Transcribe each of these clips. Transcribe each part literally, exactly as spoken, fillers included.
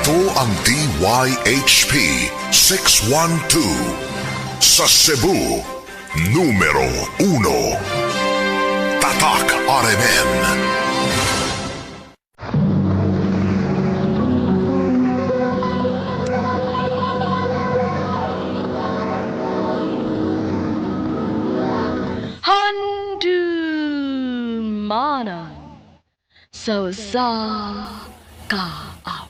Ito ang D Y H P six one two sa Cebu, numero uno. Tatak R M N. Handumanan so sa kaaw.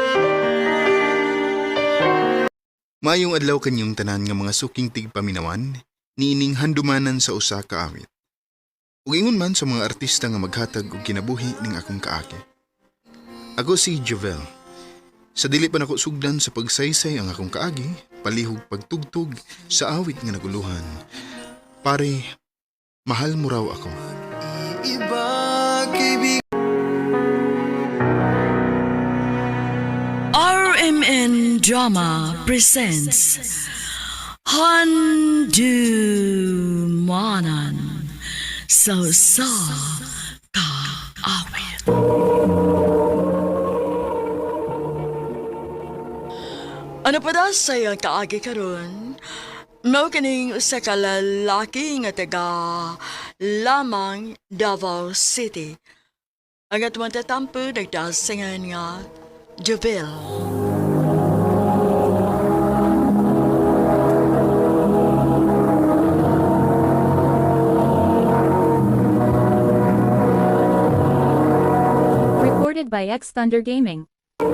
Mayong adlaw kanyong tanan nga mga suking tigpaminawan, niining handumanan sa usa ka awit. Ug ingon man sa mga artista nga maghatag og kinabuhi ning akong kaagi. Ako si Jovel. Sa dili pa nako sugdan sa pagsaysay ang akong kaagi, palihog pagtugtog sa awit nga naguluhan. Pare, mahal mo raw ako. R M N Drama presents Handumanan so sa kaawit. Ano pa daw sa'yo kaagi karon? Mao kining usa ka lalaki nga taga lamang Davao City. Ang atong tatampo nagdasingan nga Jovel. Recorded by X Thunder Gaming.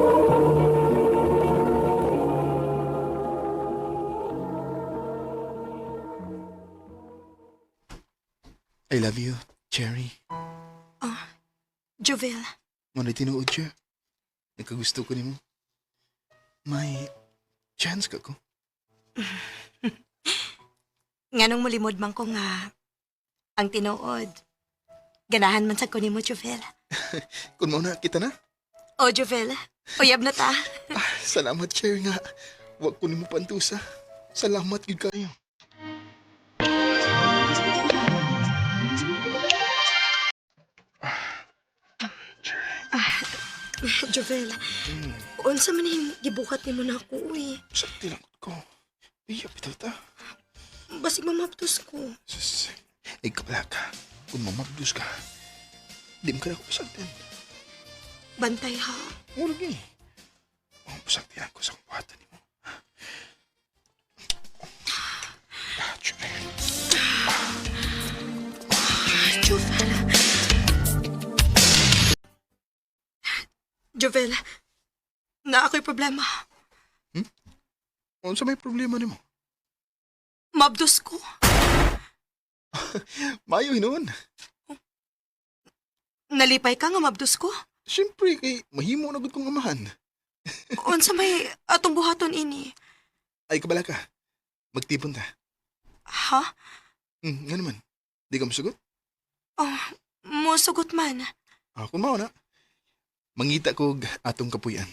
I love you, Cherry. Jovel, Mo na tinuod siya. Nagkagusto ko nimo. May chance ka ko. nganong mulimod man ko nga ang tinuod. Ganahan man sa ko nimo, Jovel. Kung mauna kita na. O, Jovel, uyab na ta. Ah, salamat, Cherry nga. Huwag ko nimo pantusa. Salamat gid kayo. Jovel, unsa man yung gibukat nimo na ako, uy. Sakti lang ko. Iya, bitaw ta. Basig mamaptos ko. Sus, ay kapala ka. Kung mamagdus ka, di mo ka na ako pasagtin. Bantay ha. Murag eh. Ang pasagtihan ko sa kumpatan ni mo. Ah, Cherry. Jovel. Jovel, na ako'y problema. Ano sa may problema ni mo? Mabdos ko. Mayo hinuon. Nalipay ka nga mabdos ko. Siyempre, kay mahimo na gud kong amahan. Unsa may atong buhaton ini. Ay, kabala ka. Magtipon ta. Ha? Hmm, nga naman. Di ka masagot? Oh, musugot man. Ah, kung mao na. Mangita ko og atong kapuyan.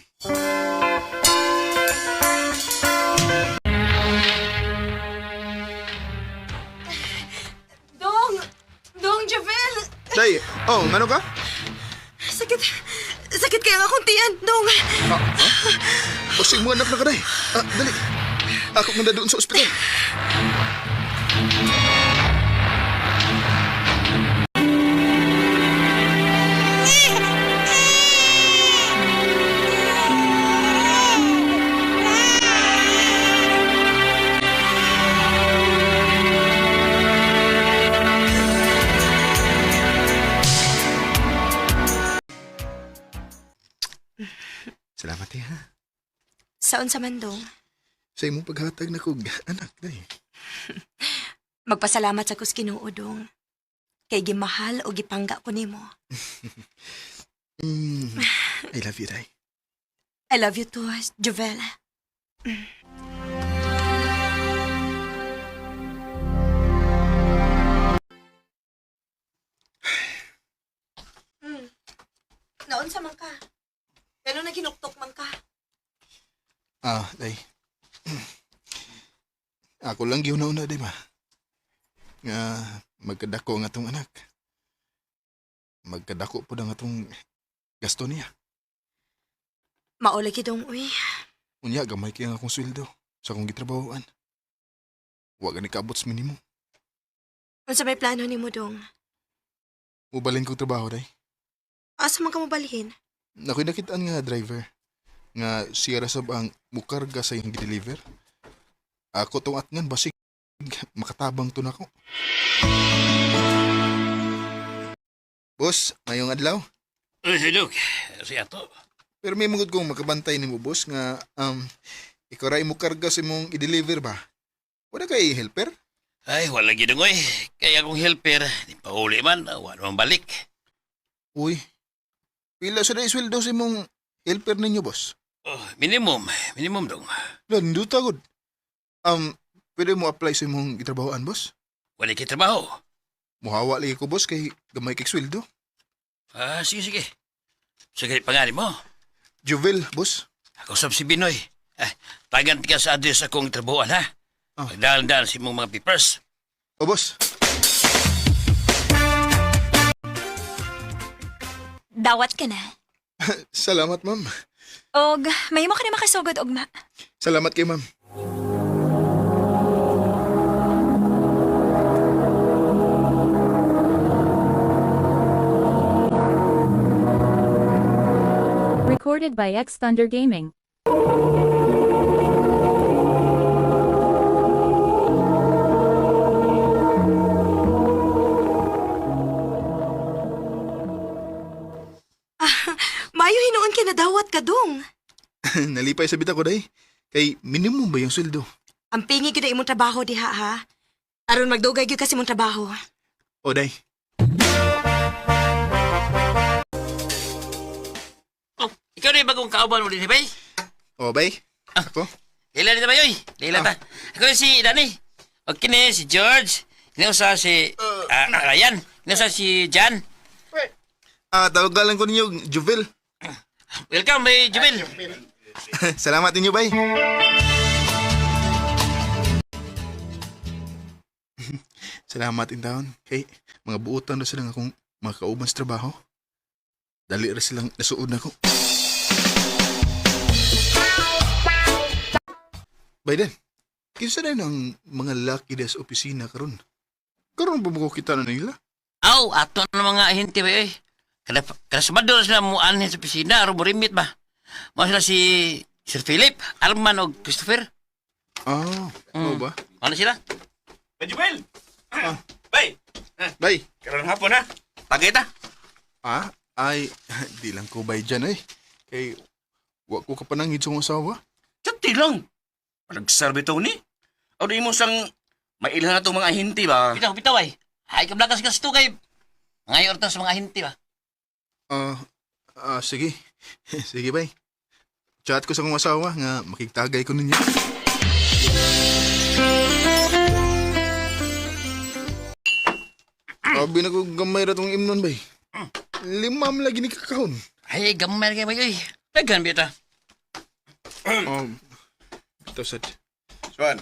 Dong! Dong, Javel! Day, oh, ngano ka? Sakit. Sakit kaya akong tiyan, Dong. Ah, ha? Pasig mo anak na ka, day. Ah, dali. Ako nga doon sa ospital. Salamat eh, ha? Saon sa man, Dong? Sa imong paghatag na kog anak, day. Magpasalamat sa kus Ginoo, Dong. Kay gimahal o gipangga ko nimo. Mm, I love you, day. I love you too, Jovel. Mm. Naon sa man ka? Kano na ginuktok man ka? Ah, day. Ako lang giuna-una, day ba? Nga magkadako ang atong anak. Magkadako po ang atong gasto niya. Maulay kitong, uy. Unya, gamay kaya nga akong sweldo sa akong gitrabahoan. Huwag ni kabot sa minimum. Unsa may plano ni mo, dong? Mubalin kong trabaho, day. Asa man ka mo balhin? Ako'y nakitaan nga driver nga siya rasab ang mukarga sa iyong deliver. Ako tong atngan basig makatabang to nako. Boss, mayong adlaw. Ay, silog. Si Ato. Pero may mungod kong makabantay nimo boss nga um ikaw ra imo karga sa imong i-deliver ba? Wala kay helper? Ay, wala ginungoy. Kaya akong helper, di pa uli man, wala man balik. Uy. Pila sa day sweldo sa imong helper ninyo, boss? Oh, minimum. Minimum dong. Lando tagod. Um, pwede mo apply sa imong gitrabahoan, boss? Wala kay trabaho. Muhawa lagi ko, boss, kay gamay kay sweldo. Ah, sige, sige. Sige, pangalan mo. Juvel, boss. Ako sab si Binoy. Ah, tagan ka sa address akong trabahoan, ha? Ah. Magdahan-dahan si mong mga papers. O, boss. Dawat ka na. Salamat, ma'am. Og, may mo ka na makasugod, Ugma. Salamat kay ma'am. Recorded by X Thunder Gaming. Mayo hinuon ka na dawat ka, dong. Nalipay sa bita ko, day. Kay minimum ba yung sweldo? Ang pingi gyud na imong trabaho diha, ha? Aron magdugay gyud kasi imong trabaho. O, day. Oh, ikaw na yung bagong kauban mo din, bay? O, bay. Ako? Leila na ba yun? Leila ta. Ako na si Danny. O kini si George. Inusa si ah, Ryan. Inusa si Jan. Ah, tawagan ko ninyo, Juvel. Welcome, bay Jumel. Salamat ninyo, bay. Salamat in taon. Kay, mga buutan na silang akong mga kauban sa trabaho. Dali ra silang nasuod na ko. Biden, kinsa na ang mga lucky des opisina karon? Karon ba mo kita na nila? Aw, ato na mga ahente ba eh. Kada, kada sabado na sila mo anhin sa opisina, aron mo rimit ba? Mo sila si Sir Philip, Arman o Christopher. Ah, oo ba? Ano sila? Bay Joel! Bay! Bay, Karoon hapon ha? Tagay ta? ah, ay, di lang ko bay dyan eh. Kay, wa ko kapanangid sa akong asawa. Tati lang! Nagserve to ni? O di mo sang mailan na itong mga hinti ba? Bitaw, bitaw ay. Ay, kablakas ka sa kay ngayon orta sa mga ahente ba? Ah, ah, sige. Sige, bay. Chat ko sa akong asawa nga makigtagay ko ninyo. Sabi na ko gamay ra tong imnon, bay. Limam lagi ni kakahon. Ay, gamay kayo ba yun? Daghan bita. Um, ito sad. Swan.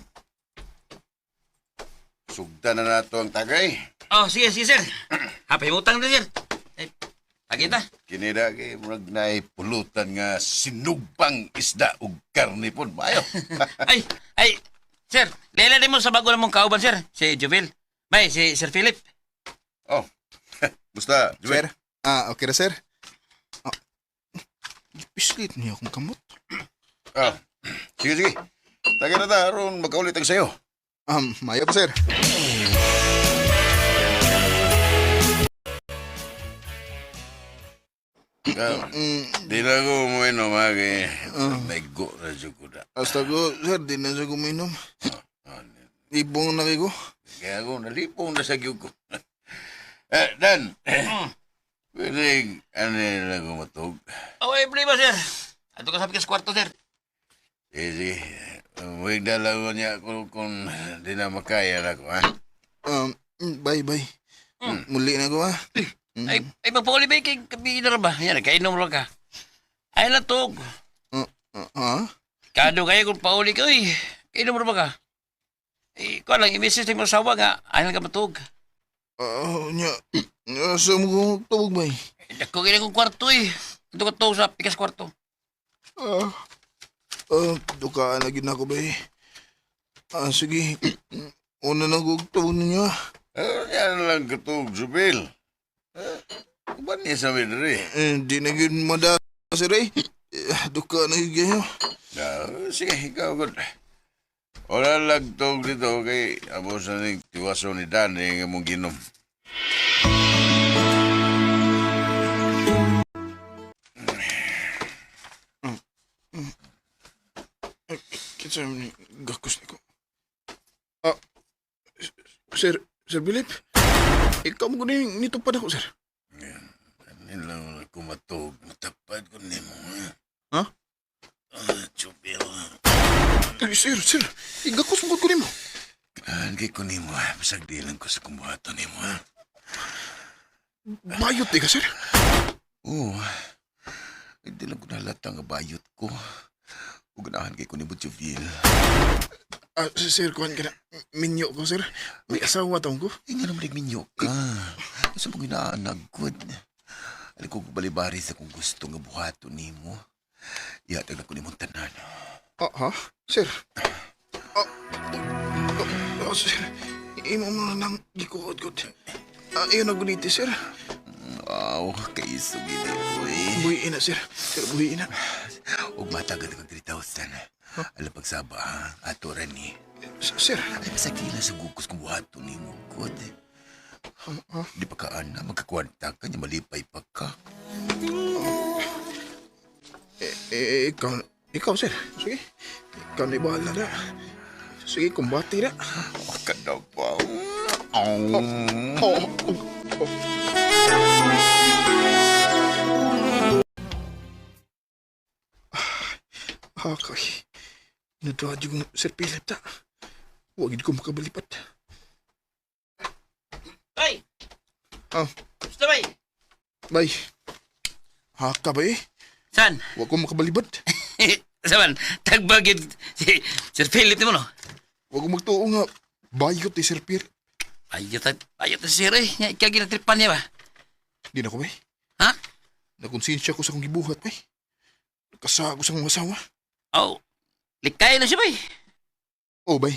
Sugda na nato ang tagay. Oh, sige, sige, sir. Hapay mo utang na, sir. Ay, pagkita. Kinida kay murag naay pulutan nga sinugbang isda ug karne pon maayo. Ay, ay, sir. Lela din mo sa bago na mong kauban, sir. Si Jovel. Bay, si Sir Philip. Oh. Basta, Sir? Joel. Ah, okay ra, sir. Ah, pislit niya akong kamot. Ah. Sige, sige. Tagay na ta aron magkaulit ang sayo. Um, mayo pa, sir. Ah, Mm, di na ko mo ino magi. Ah. Naigo na dyan ko na. hasta ko, sir, di na siya kuminom. Ah, Ibong na kayo ko. Kaya ako nalipong na sa gyud ko. Eh, Dan. Pwede, ano na ko matug. Oh, ay, ba, sir? Ato ka sabi ka sa kwarto, sir. Sige, sige. Huwag dalawa niya kung, kung di na makaya na ko, ha? Um, bye, bye. Muli na ko, ha? Mm. Ay, ay, magpauli ba kay kabi na ba? Yan, kainom lang ka. Ay, latog. Uh, uh, ha? Kado kaya kung pauli ka, uy. Kainom ba ka? Eh, ko lang, i-message mo sa asawa nga. Ayaw ka matug. Ah, nya. Asa mo kong tawag, bay? Dako kaya kong kwarto, eh. Ito ka to sa pikas kwarto. Ah, ah, dukaan na gid ako ba eh. Ah, sige. Una na gugtawon niya. Ah, yan lang katog, Jubil. Ah, ba niya sabi na rin? Eh, di na gid mada, sir eh. Eh, Duka na gid kayo. Ah, sige, ikaw good. Wala lang tog dito kay abo sa ning tiwaso ni Dan eh, nga mong ginom. Kinsa ni gakos niko. Ah, sir, Sir Philip. Ikaw mo kuning nitupad ako, sir. Yan lang ako matog. Matapad ko ni mo. Ha? Ah, Jubil. Ay, sir, sir. Igakos mo ko nimo. Ah, kay ko ni mo. Basag di lang ko sa kumbuhato ni mo. Bayot di ka, sir. Oo. Hindi lang ko nalata nga bayot ko. Uganahan kay ko ni Jubil. Ah, sir, kuhan ka na. Minyo ko, sir. May asawa taong ko. Eh, nga naman nagminyo ka. Sa mga inaanagkod. Alam ko balibari sa kung gusto nga buhato ni mo. Ihatag na ko ni mong tanan. Ah, ha? Sir? Ah, ah, ah, sir. Imo mo na lang gikuhod-god. Ah, iyon na guniti, sir. Wow, kayo sugili ko eh. Buhiin na, sir. Sir, buhiin na. Huwag matagad ng three thousand. Alam pagsaba, ato rin eh. S- Sir, Ay, masakila sa gugos kung buhato ni mo, God. ah, Di pa ka na, magkakwanta ka niya, malipay pa ka. eh, eh, ikaw, ikaw, sir. Sige. Ikaw na ibahala na. Sige, kumbati na. Huwag ka na pa. Oh, oh, oh. Ah, okay. Natuwa yung Sir Philip ta. Huwag ko makabalipat. Ay! Ah, Gusto ba? bay. Haka ba eh? San? Huwag ko makabalibat. Saman, tagbagid si Sir Philip mo no? Huwag ko magtuo nga. Bayot ni Sir Philip. Ayot at ayot at sir eh. Nga ikaw ginatripan niya ba? Di na ko bay. Ha? Nakonsensya ko sa kong gibuhat bay. Nakasago sa kong asawa. Oh, likay na siya ba eh. Oh, bay.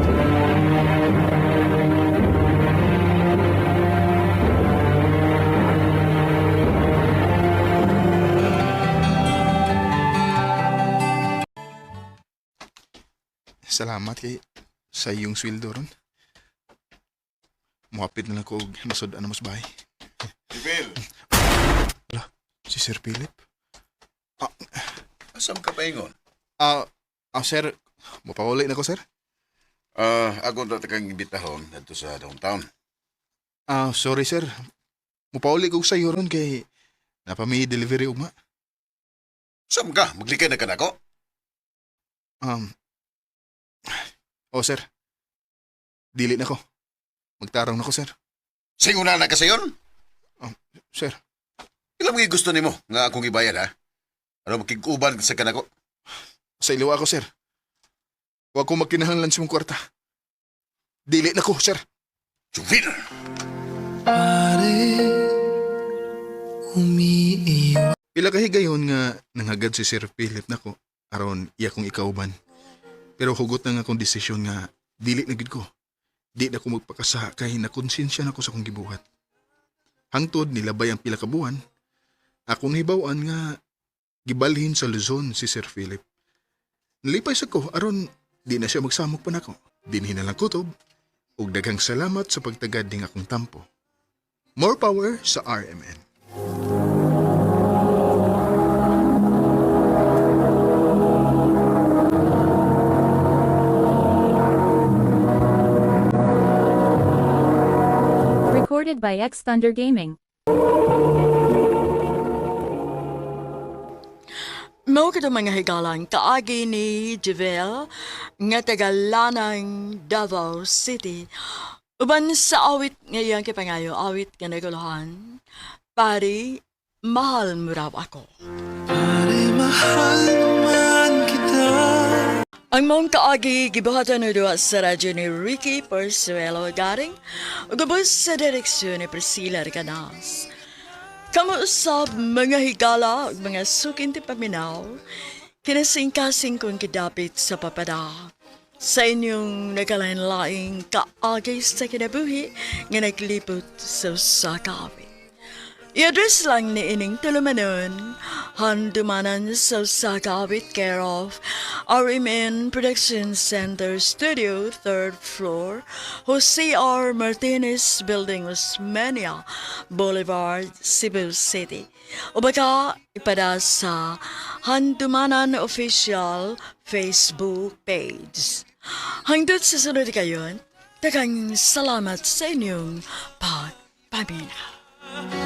Salamat kay sa iyong sweldo ron. Muhapit na lang ko og nasod na mas bahay. Jubil, Si Sir Philip. asam ka pa ingon? Ah, ah, sir. Mapawali na ko, sir. Ah, ako na takang imbitahon dito sa downtown. Ah, sorry, sir. Mupawali ko sa iyo ron kay napami delivery ugma. Sam ka, maglikay na ka na ko? Um, oh, sir. Dili na ko. Magtarong na ko, sir. Singuna na ka sa yun? Sir. Ilang mga gusto ni mo nga akong ibayad ha? Ano makikuban sa kanako? Sa iliwa ako, sir. Huwag ko magkinahanglan sa mong kwarta. Dili na ko, sir. Jubil! Pila kahigayon nga nanghagad si Sir Philip nako aron iya kong ikauban. Pero hugot na nga akong desisyon nga dili na gid ko. Di na ko magpakasa kay nakonsensya na ko sa kong gibuhat. Hangtod nilabay ang pila ka buwan, ako nahibaw-an nga gibalhin sa Luzon si Sir Philip. Nalipay sa ko aron di na siya magsamok pa nako. Dinhi na lang kutob ug daghang salamat sa pagtagad ning akong tampo. More power sa R M N. Recorded by X Thunder Gaming. Mao kada mga higalang kaagi ni Javel nga taga Lanang, Davao City. Uban sa awit ngayon kay pangayo, awit nga naguluhan. Pari, mahal mo raw ako. Ang mong kaagi gibuhatan na doon sa radyo ni Ricky Persuelo Garing ug gabos sa direksyon ni Priscilla Ricanas. Kamu usab mga higala ug mga sukin ti paminaw, Kinasing-kasing kong kidapit sa papada. Sa inyong nagalain-laing kaagay sa kinabuhi nga naglipot sa sakawit. I-address lang ni ining tulumanon, handumanan sa sakawit care of R M N Production Center Studio, third floor, Jose R. Martinez Building, Osmeña Boulevard, Cebu City. O baka ipada sa Handumanan Official Facebook page. Hanggang sa sunod kayon, daghang salamat sa inyong pagpaminaw.